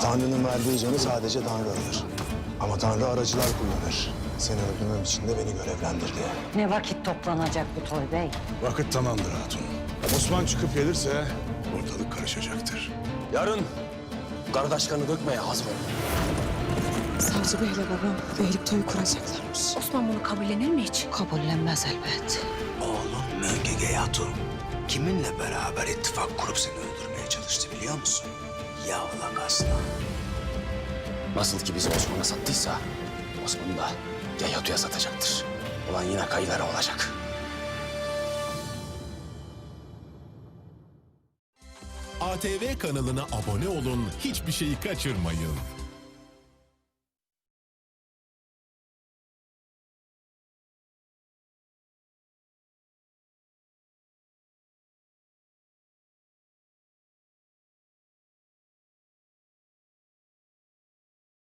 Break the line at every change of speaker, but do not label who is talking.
Tanrı'nın verdiği canı sadece Tanrı alır. Ama Tanrı aracılar kullanır. Seni öldürmem için de beni görevlendirdi.
Ne vakit toplanacak bu toy bey?
Vakit tamamdır hatun. Osman çıkıp gelirse ortalık karışacaktır.
Yarın kardeş kanı dökmeye hazır ol.
Savcı Bey'le babam beylik toyu kuracaklarmış.
Osman bunu kabullenir mi hiç?
Kabullenmez elbet.
Oğlum Möngege Hatun kiminle beraber ittifak kurup seni öldürmeye çalıştı biliyor musun? Yavlak aslan.
Nasıl ki bizi Osman'a sattıysa Osman'ı da Yayatu'ya satacaktır. Ulan yine kayılara olacak.
ATV kanalına abone olun, hiçbir şeyi kaçırmayın.